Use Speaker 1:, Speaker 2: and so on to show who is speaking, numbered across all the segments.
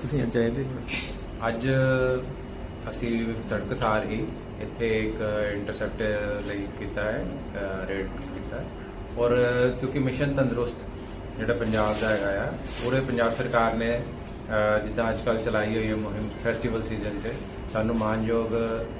Speaker 1: ਤੁਸੀਂ ਅੱਜ ਆਏ ਦੇ?
Speaker 2: ਅੱਜ ਅਸੀਂ ਤੜਕਸਾਰ ਹੀ ਇੱਥੇ ਇੱਕ ਇੰਟਰਸੈਪਟ ਲਈ ਕੀਤਾ ਹੈ, ਰੇਡ ਕੀਤਾ ਹੈ। ਔਰ ਕਿਉਂਕਿ ਮਿਸ਼ਨ ਤੰਦਰੁਸਤ ਜਿਹੜਾ ਪੰਜਾਬ ਦਾ ਹੈਗਾ ਆ, ਪੂਰੇ ਪੰਜਾਬ ਸਰਕਾਰ ਨੇ ਜਿੱਦਾਂ ਅੱਜ ਕੱਲ੍ਹ ਚਲਾਈ ਹੋਈ ਹੈ ਮੁਹਿੰਮ ਫੈਸਟੀਵਲ ਸੀਜ਼ਨ 'ਚ, ਸਾਨੂੰ ਮਾਨਯੋਗ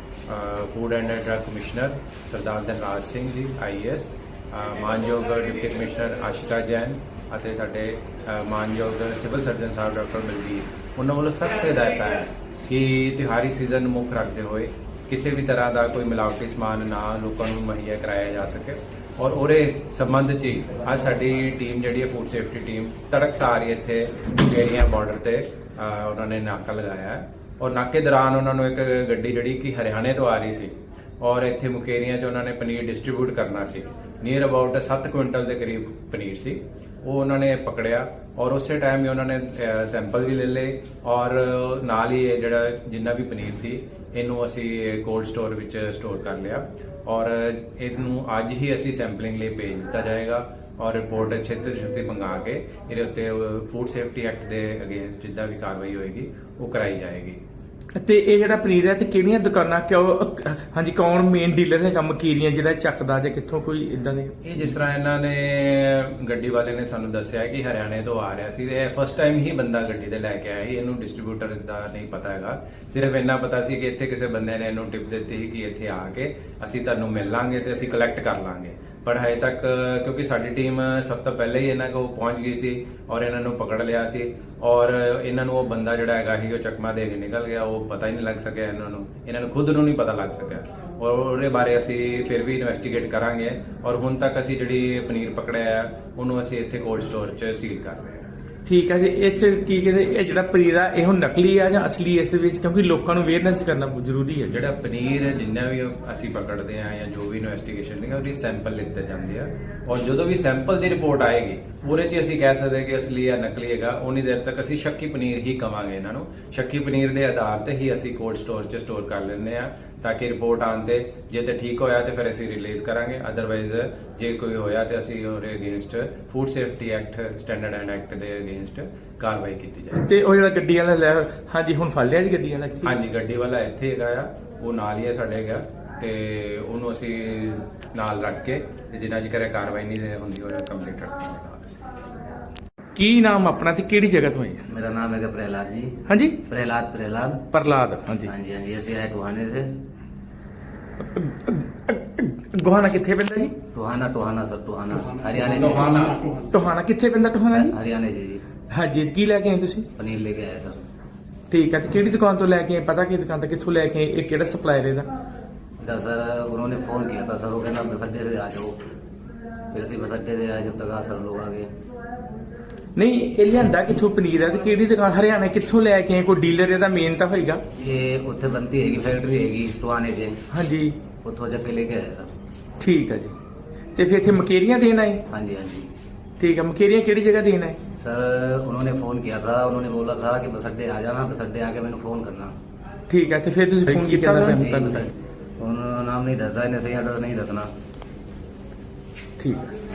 Speaker 2: food and drug commissioner Sardar Dhanraj Singh ji IAS, ਮਾਨਯੋਗ ਡਿਪਟੀ ਕਮਿਸ਼ਨਰ ਆਸ਼ਿਕਾ ਜੈਨ ਅਤੇ ਸਾਡੇ ਮਾਨਯੋਗ civil surgeon sahib doctor Balbir, ਉਹਨਾਂ ਵੱਲੋਂ ਸਖਤ ਹਦਾਇਤਾਂ ਹੈ ਕਿ ਤਿਉਹਾਰੀ ਸੀਜ਼ਨ ਨੂੰ ਮੁੱਖ ਰੱਖਦੇ ਹੋਏ ਕਿਸੇ ਵੀ ਤਰ੍ਹਾਂ ਦਾ ਕੋਈ ਮਿਲਾਵਟੀ ਸਮਾਨ ਨਾ ਲੋਕਾਂ ਨੂੰ ਮੁਹੱਈਆ ਕਰਾਇਆ ਜਾ ਸਕੇ। ਔਰ ਉਹਦੇ ਸੰਬੰਧ 'ਚ ਹੀ ਅੱਜ ਸਾਡੀ ਟੀਮ ਜਿਹੜੀ ਹੈ ਫੂਡ ਸੇਫਟੀ ਟੀਮ ਤੜਕਸਾਰ ਹੀ ਇੱਥੇ ਮੁਕੇਰੀਆਂ ਬਾਰਡਰ ਤੇ ਉਹਨਾਂ ਨੇ ਨਾਕਾ ਲਗਾਇਆ ਹੈ। ਔਰ ਨਾਕੇ ਦੌਰਾਨ ਉਹਨਾਂ ਨੂੰ ਇੱਕ ਗੱਡੀ ਜਿਹੜੀ ਕਿ ਹਰਿਆਣੇ ਤੋਂ ਆ ਰਹੀ ਸੀ ਔਰ ਇੱਥੇ ਮੁਕੇਰੀਆਂ 'ਚ ਉਹਨਾਂ ਨੇ ਪਨੀਰ ਡਿਸਟ੍ਰੀਬਿਊਟ ਕਰਨਾ ਸੀ, ਨੀਅਰ ਅਬਾਊਟ 7 ਕੁਇੰਟਲ ਦੇ ਕਰੀਬ ਪਨੀਰ ਸੀ, ਉਹ ਉਹਨਾਂ ਨੇ ਪਕੜਿਆ ਔਰ ਉਸੇ ਟਾਈਮ ਹੀ ਉਹਨਾਂ ਨੇ ਸੈਂਪਲ ਵੀ ਲੈ ਲਏ ਔਰ ਨਾਲ ਹੀ ਇਹ ਜਿਹੜਾ ਜਿੰਨਾ ਵੀ ਪਨੀਰ ਸੀ ਇਹਨੂੰ ਅਸੀਂ ਕੋਲਡ ਸਟੋਰ ਵਿੱਚ ਸਟੋਰ ਕਰ ਲਿਆ ਔਰ ਇਹਨੂੰ ਅੱਜ ਹੀ ਅਸੀਂ ਸੈਂਪਲਿੰਗ ਲਈ ਭੇਜ ਦਿੱਤਾ ਜਾਏਗਾ ਔਰ ਰਿਪੋਰਟ ਛੇਤੀ ਮੰਗਾ ਕੇ ਇਹਦੇ ਉੱਤੇ ਫੂਡ ਸੇਫਟੀ ਐਕਟ ਦੇ ਅਗੇਂਸਟ ਜਿੱਦਾਂ ਵੀ ਕਾਰਵਾਈ ਹੋਏਗੀ ਉਹ ਕਰਾਈ ਜਾਏਗੀ।
Speaker 1: ਤੇ ਇਹ ਜਿਹੜਾ ਪਨੀਰ ਹੈ ਤੇ ਕਿਹੜੀਆਂ ਦੁਕਾਨਾਂ ਹਾਂਜੀ ਕੌਣ ਮੇਨ ਡੀਲਰ ਹੈਗਾ ਮਕੀਰੀਆਂ ਜਿਹੜਾ ਚੱਕਦਾ ਜਾਂ ਕਿੱਥੋਂ ਕੋਈ ਇਦਾਂ ਦੇ?
Speaker 2: ਇਹ ਜਿਸ ਤਰ੍ਹਾਂ ਇਹਨਾਂ ਨੇ ਗੱਡੀ ਵਾਲੇ ਨੇ ਸਾਨੂੰ ਦੱਸਿਆ ਕਿ ਹਰਿਆਣੇ ਤੋਂ ਆ ਰਿਹਾ ਸੀ ਤੇ ਫਸਟ ਟਾਈਮ ਹੀ ਬੰਦਾ ਗੱਡੀ ਤੇ ਲੈ ਕੇ ਆਇਆ ਸੀ, ਇਹਨੂੰ ਡਿਸਟ੍ਰੀਬਿਊਟਰ ਦਾ ਨਹੀਂ ਪਤਾ ਹੈਗਾ, ਸਿਰਫ ਇੰਨਾ ਪਤਾ ਸੀ ਕਿ ਇੱਥੇ ਕਿਸੇ ਬੰਦੇ ਨੇ ਇਹਨੂੰ ਟਿਪ ਦਿੱਤੀ ਸੀ ਕਿ ਇੱਥੇ ਆ ਕੇ ਅਸੀਂ ਤੁਹਾਨੂੰ ਮਿਲ ਲਾਂਗੇ ਤੇ ਅਸੀਂ ਕਲੈਕਟ ਕਰ ਲਾਂਗੇ। ਪਰ ਹਜੇ ਤੱਕ ਕਿਉਂਕਿ ਸਾਡੀ ਟੀਮ ਸਭ ਤੋਂ ਪਹਿਲਾਂ ਹੀ ਇਹਨਾਂ ਕੋਲ ਪਹੁੰਚ ਗਈ ਸੀ ਔਰ ਇਹਨਾਂ ਨੂੰ ਪਕੜ ਲਿਆ ਸੀ ਔਰ ਇਹਨਾਂ ਨੂੰ ਉਹ ਬੰਦਾ ਜਿਹੜਾ ਹੈਗਾ ਸੀ ਉਹ ਚਕਮਾ ਦੇ ਕੇ ਨਿਕਲ ਗਿਆ, ਉਹ ਪਤਾ ਹੀ ਨਹੀਂ ਲੱਗ ਸਕਿਆ ਇਹਨਾਂ ਨੂੰ ਖੁਦ ਨੂੰ ਨਹੀਂ ਪਤਾ ਲੱਗ ਸਕਿਆ ਔਰ ਉਹਦੇ ਬਾਰੇ ਅਸੀਂ ਫਿਰ ਵੀ ਇਨਵੈਸਟੀਗੇਟ ਕਰਾਂਗੇ ਔਰ ਹੁਣ ਤੱਕ ਅਸੀਂ ਜਿਹੜੀ ਪਨੀਰ ਪਕੜਿਆ ਹੈ ਉਹਨੂੰ ਅਸੀਂ ਇੱਥੇ ਕੋਲਡ ਸਟੋਰ 'ਚ ਸੀਲ ਕਰ ਰਹੇ ਹਾਂ।
Speaker 1: ਠੀਕ ਹੈ ਜੀ, ਇਹ 'ਚ ਕੀ ਕਹਿੰਦੇ ਇਹ ਜਿਹੜਾ ਪਨੀਰ ਆ ਇਹ ਹੁਣ ਨਕਲੀ ਆ ਜਾਂ ਅਸਲੀ ਇਸ ਵਿੱਚ, ਕਿਉਂਕਿ ਲੋਕਾਂ ਨੂੰ ਅਵੇਅਰਨੈਸ ਕਰਨਾ ਬਹੁਤ ਜ਼ਰੂਰੀ ਹੈ।
Speaker 2: ਜਿਹੜਾ ਪਨੀਰ ਜਿੰਨਾ ਵੀ ਅਸੀਂ ਪਕੜਦੇ ਆ ਜਾਂ ਜੋ ਵੀ ਇਨਵੈਸਟੀਗੇਸ਼ਨ ਹੈ ਉਹਦੀ ਸੈਂਪਲ ਲਿੱਤੇ ਜਾਂਦੇ ਆ ਔਰ ਜਦੋਂ ਵੀ ਸੈਂਪਲ ਦੀ ਰਿਪੋਰਟ ਆਏਗੀ ਉਹਦੇ 'ਚ ਅਸੀਂ ਕਹਿ ਸਕਦੇ ਕਿ ਅਸਲੀ ਜਾਂ ਨਕਲੀ ਹੈਗਾ, ਉਨੀ ਦੇਰ ਤੱਕ ਅਸੀਂ ਸ਼ੱਕੀ ਪਨੀਰ ਹੀ ਕਵਾਂਗੇ ਇਹਨਾਂ ਨੂੰ। ਸ਼ੱਕੀ ਪਨੀਰ ਦੇ ਆਧਾਰ ਤੇ ਹੀ ਅਸੀਂ ਕੋਲਡ ਸਟੋਰ 'ਚ ਸਟੋਰ ਕਰ ਲੈਂਦੇ ਆ ਤਾਂ ਕਿ ਰਿਪੋਰਟ ਆਉਣ ਤੇ ਜੇ ਤੇ ਠੀਕ ਹੋਇਆ ਤੇ ਫਿਰ ਅਸੀਂ ਰਿਲੀਜ਼ ਕਰਾਂਗੇ, ਅਦਰਵਾਈਜ਼ ਜੇ ਕੋਈ ਹੋਇਆ ਤੇ ਅਸੀਂ ਉਹਦੇ against food safety act standard and act ਦੇ ਅਗੇਂਸਟ ਕਾਰਵਾਈ ਕੀਤੀ ਜਾਏ।
Speaker 1: ਤੇ ਉਹ ਜਿਹੜਾ ਗੱਡੀ ਵਾਲਾ ਲੈ ਹਾਂਜੀ ਹੁਣ ਫੜ ਲਿਆ ਜੀ ਗੱਡੀ ਵਾਲਾ?
Speaker 2: ਹਾਂਜੀ, ਗੱਡੀ ਵਾਲਾ ਇੱਥੇ ਹੈਗਾ ਆ, ਉਹ ਨਾਲ ਹੀ ਹੈ ਸਾਡੇ ਹੈਗਾ ਤੇ ਉਹਨੂੰ ਅਸੀਂ ਨਾਲ ਰੱਖ ਕੇ ਜਿੰਨਾ ਚਿਰ ਕਾਰਵਾਈ ਨਹੀਂ ਹੁੰਦੀ ਉਹ ਕੰਪਲੀਟ ਰੱਖਾਂਗੇ।
Speaker 1: ਕੀ ਨਾਮ ਆਪਣਾ ਤੇ ਕਿਹੜੀ ਜਗ੍ਹਾ ਤੋਂ ਆਏ?
Speaker 3: मेरा नाम है प्रहलाद जी।
Speaker 1: हाँ जी,
Speaker 3: प्रहलाद प्रहलाद
Speaker 1: प्रहलाद। हाँ जी
Speaker 3: हाँ जी हाँ जी, ऐसे आए टोहाने से।
Speaker 1: गोहाना किथे पैंदा जी?
Speaker 3: टोहाना टोहाना सर, टोहाना हरियाणा
Speaker 1: टोहाना किथे पैंदा? टोहाना जी
Speaker 3: हरियाणा जी।
Speaker 1: हाँ जी, की लैके आए तुसी?
Speaker 3: पनीर लेके आए सर।
Speaker 1: ठीक है, तो किहड़ी दुकान तो लैके आए, पता कि दुकान तो कित्थों लैके आए, किहड़ा सप्लायर है
Speaker 3: इधर सर उन्होंने फोन किया था सर, वो कहना बस अड्डे से आ जाओ, फिर ਅਸੀਂ बस अड्डे से आए, जब तक आ सर लोग आ गए।
Speaker 1: नहीं ये लियांदा कित्थों पनीर है ते किहड़ी दुकान हरियाणा कित्थों लैके आए, कोई डीलर ਇਹਦਾ ਮੇਨ ਤਾਂ ਹੋਏਗਾ?
Speaker 3: ਇਹ ਉੱਥੇ ਬੰਦੀ ਹੈਗੀ ਫੈਕਟਰੀ ਹੈਗੀ ਟੋਹਾਨੇ 'ਚ।
Speaker 1: हाँ जी,
Speaker 3: ਉੱਥੋਂ ਜਾ ਕੇ ਲੈ ਕੇ ਆਏ ਸਰ।
Speaker 1: ठीक है जी। ਤੇ ਫਿਰ ਇੱਥੇ ਮਕੇਰੀਆਂ ਦੇਣ ਆਏ?
Speaker 3: हाँ जी हाँ जी
Speaker 1: ठीक है, मकेरियां किहड़ी जगह देना है?
Speaker 3: सर उन्होंने फोन किया था, उन्होंने बोला था कि बस अड्डे आ जाना, बस अड्डे आके मैंने फोन करना।
Speaker 1: ठीक है, तो फिर तुसी फोन ਕੀਤਾ
Speaker 3: नहीं, बस उन्होंने नाम नहीं दसदा, इन्हें सही एड्रेस नहीं दसना।
Speaker 1: ठीक है।